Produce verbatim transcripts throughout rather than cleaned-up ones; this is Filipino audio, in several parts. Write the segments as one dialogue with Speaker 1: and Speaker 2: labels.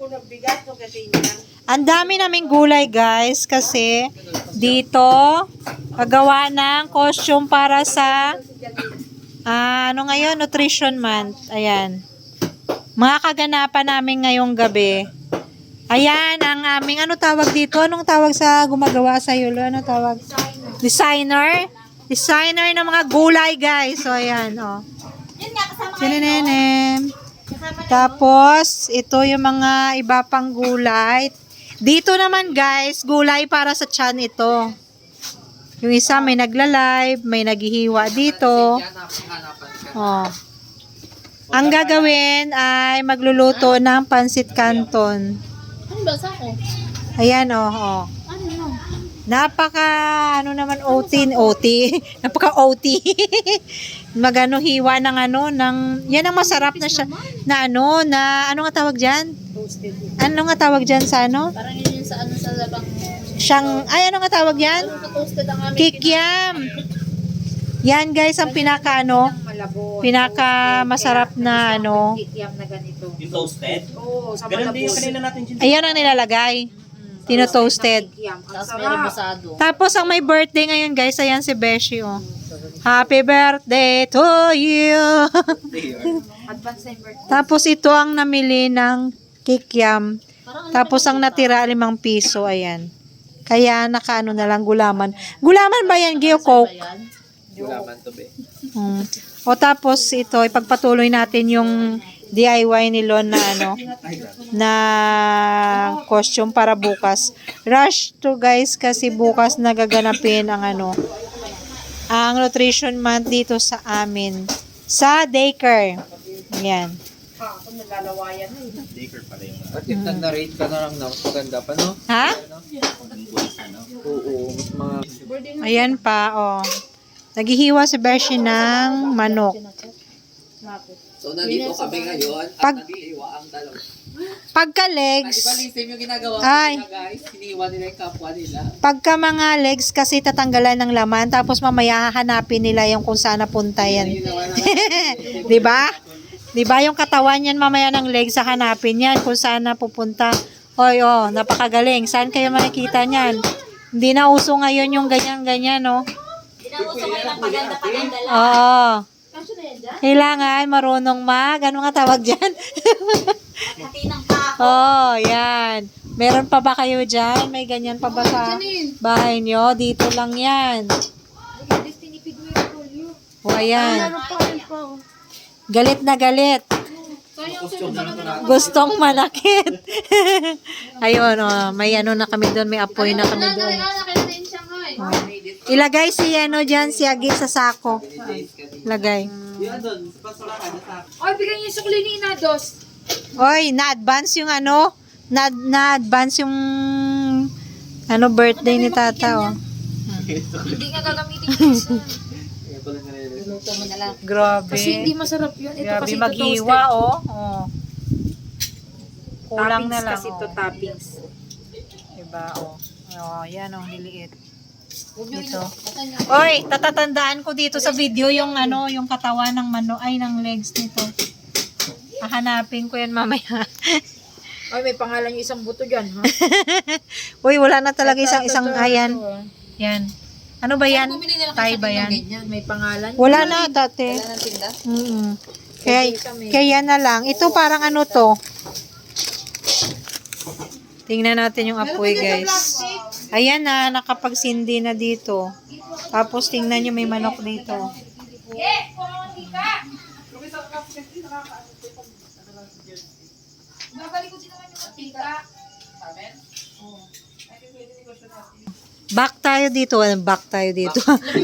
Speaker 1: Ang dami naming gulay guys kasi dito paggawa ng costume para sa ah, ano ngayon, nutrition month. Ayan. Mga kaganapan namin ngayong gabi. Ayan ang aming ano tawag dito? Anong tawag sa gumagawa sa yulo? Ano tawag? Designer. Designer ng mga gulay guys. So ayan oh. Sinenenem. Tapos ito yung mga iba pang gulay. Dito naman guys, gulay para sa tiyan ito. Yung isa may nagla-live, may naghihiwa dito. Oh. Ang gagawin ay magluluto ng pansit canton.
Speaker 2: Ano ba sa ko?
Speaker 1: Ayan oh, oh.
Speaker 2: Ano no?
Speaker 1: Napaka ano naman O T, O T. Napaka O T. Magano hiwa ng ano ng yan ang masarap na siya na ano na ano nga tawag diyan?
Speaker 3: Toasted.
Speaker 1: Ano nga tawag diyan sa ano?
Speaker 2: Parang yun yung sa ano sa labang
Speaker 1: Siyang ay ano nga tawag diyan?
Speaker 2: toasted ang aming
Speaker 1: Kikiam. Yan guys ang pinaka ano,
Speaker 3: Malabon.
Speaker 1: pinaka masarap na ano.
Speaker 3: Kikiam na ganito.
Speaker 4: Yung toasted?
Speaker 3: Oo, sa
Speaker 4: Ganun din yung
Speaker 3: malabon.
Speaker 4: kanina natin dyan.
Speaker 1: Ayan ang nilalagay. Tino-toasted.
Speaker 3: Kikiam. Ang
Speaker 2: tapos may
Speaker 3: sarap.
Speaker 2: rebusado.
Speaker 1: Tapos ang may birthday ngayon guys, ayan si Beshi oh. Happy birthday to you.
Speaker 3: Advance na yung birthday.
Speaker 1: Tapos ito ang namili ng kikiam. Tapos ang natira limang piso, ayan. Kaya nakaano na lang gulaman. Gulaman ba yan, Gio Coke?
Speaker 4: Gulaman to be.
Speaker 1: Hmm. O tapos ito, ipagpatuloy natin yung D I Y ni Lon na ano, na costume para bukas. Rush to guys kasi bukas nagaganapin ang ano, ang nutrition month dito sa amin. Sa daycare. Ayan.
Speaker 3: Ha, ako nalalawayan na eh.
Speaker 4: Baker pala yung
Speaker 5: At if nag-narrate ka na lang na, maganda pa, no?
Speaker 1: Ha?
Speaker 4: ano.
Speaker 5: Oo, mas mga...
Speaker 1: Ayan pa, oh. Naghihiwa si Beshi ng manok.
Speaker 5: So, nandito kami ngayon at
Speaker 1: Pag-
Speaker 5: nag-iiwa ang dalawa.
Speaker 1: Pagka
Speaker 5: Di ba,
Speaker 1: legs,
Speaker 5: Lizim, yung ginagawa ko
Speaker 1: Ay.
Speaker 5: nila, guys? Hiniwa nila yung kapwa nila.
Speaker 1: pagka mga legs kasi tatanggalan ng laman, tapos mamaya hahanapin nila yung kung saan napunta yan.
Speaker 5: Ginawa na
Speaker 1: 'Di ba? 'Di ba yung katawan yan mamaya ng legs hahanapin yan kung saan napupunta. Hoy, oh, napakagaling. Saan kayo makikita niyan? Hindi na uso ngayon yung ganyan-ganyan, no?
Speaker 2: Pinauso kayo ng paganda-paganda lang.
Speaker 1: Oo.
Speaker 2: Kasyo na yan dyan?
Speaker 1: Kailangan marunong mag, ano nga tawag diyan?
Speaker 2: Hati ng kako.
Speaker 1: Oh, yan. Meron pa ba kayo dyan? May ganyan pa ba sa bahay nyo? Dito lang yan. O, ayan. Galit na galit. Gustong manakit. Ayun, oh, may ano na kami doon. May apoy na kami doon. Oh. Ilagay si ano dyan, si Agi sa sako. Lagay.
Speaker 5: Yan doon, sa pasurahan na sa...
Speaker 3: Ay, bigyan niyo yung sukli ni Inados.
Speaker 1: Oy, na-advance yung ano, na- na-advance yung ano birthday ni Tata, oh.
Speaker 3: Hindi nga gagamitin yung isa.
Speaker 5: Kaya pala nare-release.
Speaker 2: Luto mo na lang.
Speaker 1: Grabe.
Speaker 3: Kasi hindi masarap yun. Ito
Speaker 1: Grabe
Speaker 3: kasi ito
Speaker 1: maghiwa,
Speaker 3: toasted.
Speaker 1: oh. oh. Kulang na
Speaker 3: Toppings
Speaker 1: lang,
Speaker 3: kasi
Speaker 1: oh.
Speaker 3: ito toppings.
Speaker 1: Diba, oh. Oh, yan, oh, niliit.
Speaker 2: Huwag nyo
Speaker 1: Dito.
Speaker 2: ito nyo.
Speaker 1: Oy, tatatandaan ko dito sa video yung ano, yung katawan ng mano, ay, ng legs nito. Hahanapin ko yan mamaya.
Speaker 3: Ay, may pangalan yung isang buto dyan, ha?
Speaker 1: Uy, wala na talaga
Speaker 3: Ito,
Speaker 1: isang
Speaker 3: ito,
Speaker 1: isang
Speaker 3: ito,
Speaker 1: ayan.
Speaker 3: ito, ah.
Speaker 1: Yan. Ano ba yan?
Speaker 2: Bumili nila
Speaker 1: Tay
Speaker 2: kayo
Speaker 1: ba
Speaker 2: sa
Speaker 1: yan?
Speaker 2: ganyan.
Speaker 3: May pangalan.
Speaker 1: Wala na dati.
Speaker 2: Wala ng tinda.
Speaker 1: Mm. Kaya, kaya na lang. Ito parang ano to. Tingnan natin yung apoy, guys. Ayan na, nakapagsindi na dito. Tapos tingnan nyo may manok dito. Back tayo dito. Ano, back tayo dito.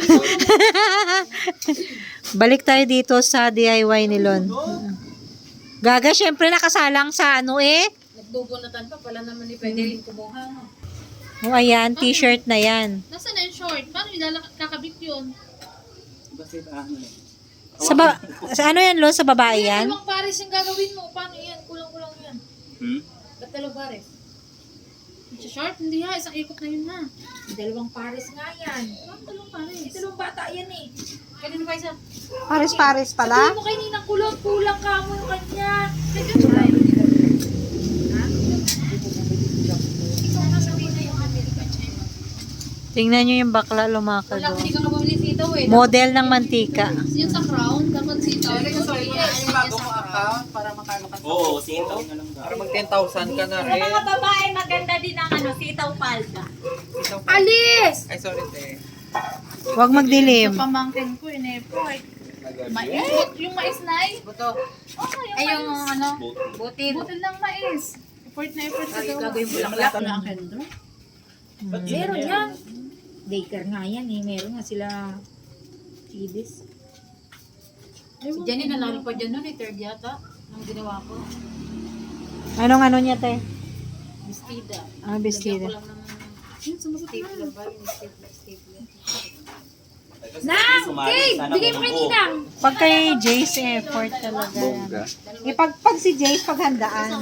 Speaker 1: Balik tayo dito sa D I Y ni Lon. Gaga, syempre nakasalang sa ano eh.
Speaker 2: Nagbubunatan pa pala naman ni pwede rin kumuha. no?
Speaker 1: O ayan, t-shirt na yan.
Speaker 2: Nasaan na yung short? Paano ilalak kakabit yun?
Speaker 5: Kasi ano eh.
Speaker 1: Sa, ba sa ano yan, Lon? Sa babae yan?
Speaker 2: Dalawang pares yung gagawin mo. Paano yan? Kulang-kulang yan.
Speaker 4: Hmm?
Speaker 2: Ba't dalawang pares? Sa short? Hindi ha. Isang ikot na yun na.
Speaker 3: Dalawang pares nga yan.
Speaker 2: Bakit dalawang pares?
Speaker 3: Dalawang bata yan eh.
Speaker 2: Kanino ba isa?
Speaker 1: Pares-pares
Speaker 2: Sabihin
Speaker 1: pala?
Speaker 2: mo kay Ninang kulang. Kulang ka mo yung kanya.
Speaker 3: Ay,
Speaker 2: Yung
Speaker 1: Tingnan nyo yung bakla lumakad
Speaker 2: Wala,
Speaker 1: doon.
Speaker 2: hindi ka nga bumili sitaw eh.
Speaker 1: Model ng mantika.
Speaker 2: Yung sa crown, dapat sitaw.
Speaker 5: Yung bago mo account para makano ka.
Speaker 4: Oo, sitaw na lang
Speaker 5: Para mag ten thousand ka na rin.
Speaker 3: babae, maganda din ang ano, sitaw palda.
Speaker 2: Alis!
Speaker 5: Ay, sorry, te.
Speaker 1: Huwag magdilim.
Speaker 2: Pamangkin ko, inepo. Mais. Yung mais na eh.
Speaker 3: Buto.
Speaker 2: Oh, yung
Speaker 3: Ay, yung
Speaker 2: mais.
Speaker 3: ano,
Speaker 4: Butil.
Speaker 3: butil.
Speaker 2: Butil ng mais. Effort na effort ka
Speaker 3: Ay,
Speaker 2: daw.
Speaker 3: gagawin mo lang
Speaker 2: Wala
Speaker 3: lahat.
Speaker 2: ka na ang kendo.
Speaker 3: Meron yan. Daycare nga yan eh. Meron nga sila kiddies. Si Jenny nanalo pa dyan nun eh. Third yata. Ang ginawa ko.
Speaker 1: Anong ano niya, te?
Speaker 3: Bestida.
Speaker 1: Ah, bestida.
Speaker 3: Lagyan ko lang ng stapler ba? Yung stapler. stapler.
Speaker 2: Nang! Kate! Bigay mo kay Ninang!
Speaker 1: Pag kay Jace, effort talaga yan. Eh, pag, pag si Jace, paghandaan.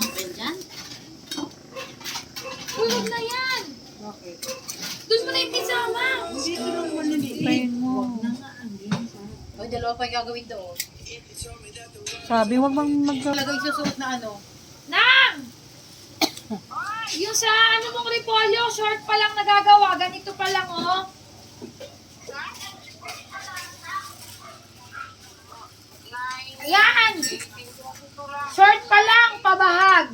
Speaker 2: Tulog na yan! Doon mo na yung pizza, ma!
Speaker 1: Pain mo.
Speaker 3: O, dalawa pa yung gagawin doon.
Speaker 1: Sabi, huwag bang mag...
Speaker 3: Talaga yung susuot na ano.
Speaker 2: Nang! Yung sa ano mong repolyo, short pa lang nagagawa. Ganito pa lang, oh. Ayan! Short pa lang, pabahag.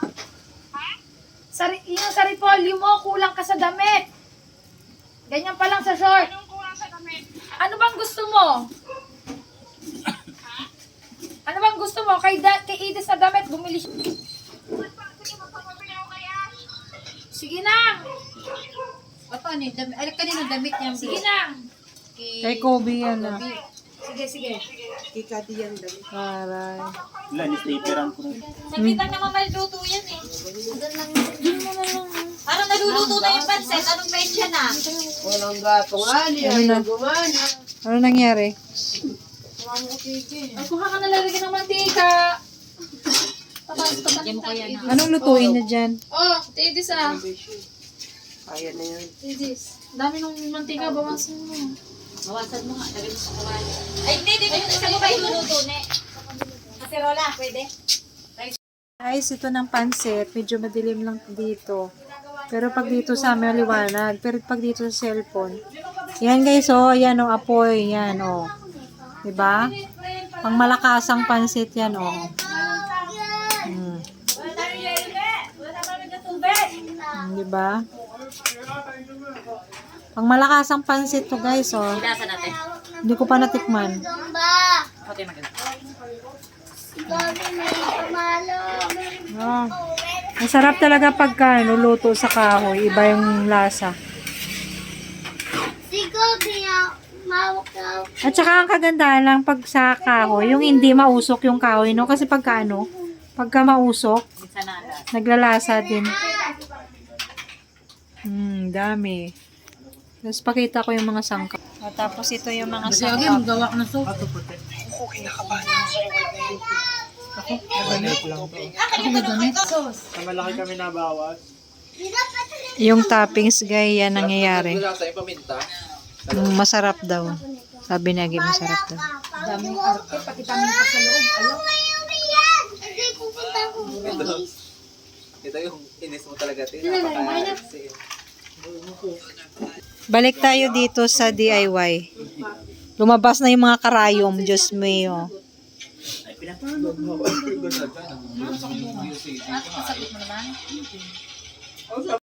Speaker 2: Sa, yung sa repolyo mo, kulang ka sa damit. Ganyan pa lang sa short. Ano bang gusto mo? Ano bang gusto mo? Kay, da, kay Edith na damit, bumili siya. Sige na!
Speaker 3: O, paano yung damit? Ay, kanina damit niya.
Speaker 2: Sige na!
Speaker 1: Kay Kobe yan ah.
Speaker 3: Sige, sige.
Speaker 1: Aray.
Speaker 4: Wala, ni-slateran ko rin.
Speaker 3: Sabitan naman maluluto yan eh. Parang naluluto na yung pansit. Anong petsa na?
Speaker 5: Walang gato nga niya.
Speaker 1: Ano na? Ano nangyari?
Speaker 2: Ay, kuha ka na lalagyan ng mantika. Tapos,
Speaker 3: Bigyan mo kaya na.
Speaker 1: Anong lutuin na dyan?
Speaker 2: Oh, Tidis ah.
Speaker 5: Kaya na yan.
Speaker 2: Tidis. Dami ng mantika, bawasan mo.
Speaker 3: Bawasan mo nga. Lagyan mo sa kawali. Ay, hindi. Hindi. Sa mo ba iluluto, ne? Kaserola, pwede?
Speaker 1: Guys, ito ng pansit. Medyo madilim lang dito. Pero pag dito sa amin, maliwanag. Pero pag dito sa cellphone. Yan guys, oh. Yan, oh. Apoy. Yan, oh. Diba? Pang malakasang pansit yan, oh. Hmm. Hmm, diba? Pang malakasang pansit to guys, oh.
Speaker 3: Ilasa natin.
Speaker 1: Hindi ko pa natikman.
Speaker 3: Okay, maganda.
Speaker 1: Ah. Masarap talaga pagka ano, luto sa kahoy. Iba yung lasa. At saka ang kagandahan lang pag sa kahoy, yung hindi mausok yung kahoy, no? Kasi pagka ano, pagka mausok,
Speaker 3: Sanada.
Speaker 1: naglalasa din. Hmm, dami. Tapos pakita ko yung mga sangkap. O, tapos ito yung mga sangkap.
Speaker 3: gawa ka ng soup.
Speaker 5: Malaki kami nabawas.
Speaker 1: Yung toppings, guys, yan nangyayari.
Speaker 5: Wala sa paminta.
Speaker 1: Mm, masarap daw. Sabi ni Agi, masarap daw.
Speaker 3: Daming arte, pati kami pa sa loob. Alam.
Speaker 5: Ito, ito yung inis mo talaga. Tinapaka.
Speaker 1: Balik tayo dito sa D I Y. Lumabas na yung mga karayom, Diyos mio.
Speaker 2: Sagot mo naman.